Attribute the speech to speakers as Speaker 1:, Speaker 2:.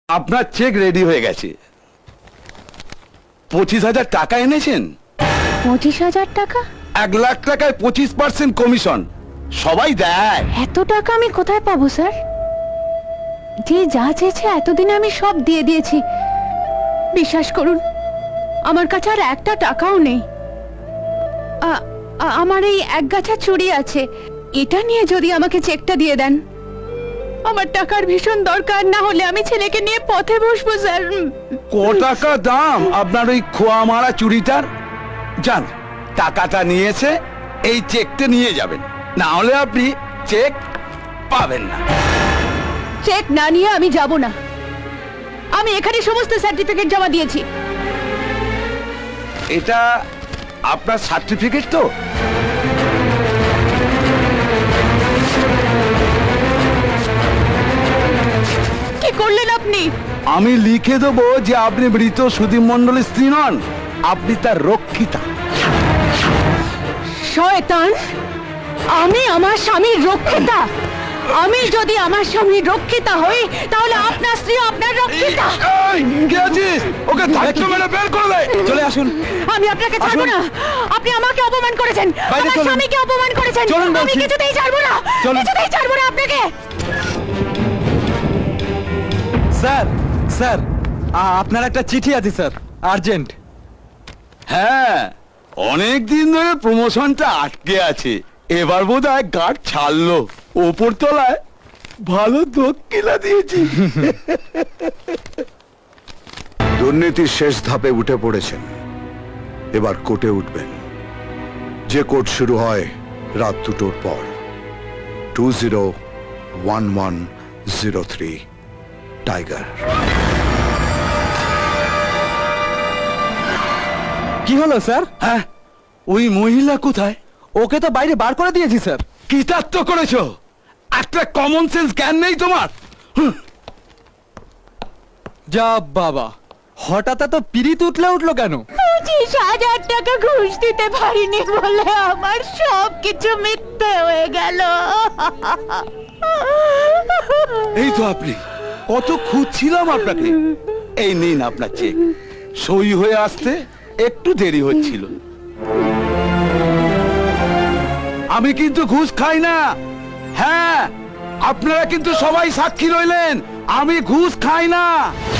Speaker 1: আপনার check ready হয়ে গেছে। 25,000 টাকা এনেছেন।
Speaker 2: 25,000 টাকা?
Speaker 1: 1 লাখ টাকায় 25% কমিশন সবাই দেয়।
Speaker 2: এত টাকা আমি কোথায় পাবো স্যার? যে যা চেয়েছে এতদিনে আমি সব দিয়ে দিয়েছি। বিশ্বাস করুন, আমার কাছে আর একটা টাকাও নেই। আমার এই এক গাছা চুড়ি আছে, এটা নিয়ে যদি আমাকে চেকটা দিয়ে দেন। আমার টাকার ভীষণ দরকার, না হলে আমি ছেলেকে নিয়ে পথে বসবো স্যার।
Speaker 1: ক টাকা দাম আপনার ওই খোয়া মারা চুড়িটার? যান, টাকাটা নিয়েছে, এই চেকটা নিয়ে যাবেন, না হলে আপনি চেক পাবেন না।
Speaker 2: চেক না নিয়ে আমি যাব না। আমি এখানে সমস্ত সার্টিফিকেট জমা দিয়েছি।
Speaker 1: এটা আপনার সার্টিফিকেট তো?
Speaker 2: কি করলেন আপনি?
Speaker 1: আমি লিখে দেবো যে আপনি মৃত সুদীপ মণ্ডলের স্ত্রী নন, আপনি তার রক্ষিতা।
Speaker 2: শয়তান! আমি আমার স্বামীর রক্ষিতা? আমি যদি আমার স্বামীর রক্ষিতা হই, তাহলে আপনার স্ত্রী আপনার রক্ষিতা।
Speaker 1: কে আছিস? ওকে ধাক্কা মেরে বের করে দে। চলে আসুন।
Speaker 2: আমি আপনাকে ছাড়বো না। আপনি আমাকে অপমান করেছেন, আমার স্বামীকে অপমান করেছেন। আমি কিছুতেই ছাড়বো না, কিছুতেই ছাড়বো না আপনাকে।
Speaker 3: স্যার, স্যার, আপনার একটা চিঠি আছে স্যার, আর্জেন্ট।
Speaker 1: হ্যাঁ, অনেক দিন ধরে প্রমোশনটা আটকে আছে, এবার বোধহয় গার্ড ছাড়লো। ওপর তলায় ভালো দক্ষিণা দিয়েছি।
Speaker 4: দুর্নীতির শেষ ধাপে উঠে পড়েছেন, এবার কোর্টে উঠবেন। যে কোর্ট শুরু হয় রাত 2টোর পর। 201103 টাইগার।
Speaker 3: কি হলো স্যার?
Speaker 1: হ্যাঁ, ওই মহিলা কোথায়?
Speaker 3: ওকে তো বাইরে বার করে দিয়েছি স্যার।
Speaker 1: কৃতার্থ করেছো? একটা কমন সেন্স জ্ঞান নেই তোমার?
Speaker 3: যা বাবা, হঠাৎ এত পিরিত উঠলো কেন?
Speaker 2: 25,000 টাকা ঘুষ দিতে পারিনি বলে আমার সব কিছু মিথ্যে হয়ে গেল।
Speaker 1: এই তো আপনি, কত খুঁজছিলাম আপনাকে। এই নিন আপনার চেক। সই হয়ে আসতে একটু দেরি হচ্ছিল। আমি কিন্তু ঘুষ খাই না। হ্যাঁ, আপনারা কিন্তু সবাই সাক্ষী রইলেন, আমি ঘুষ খাই না।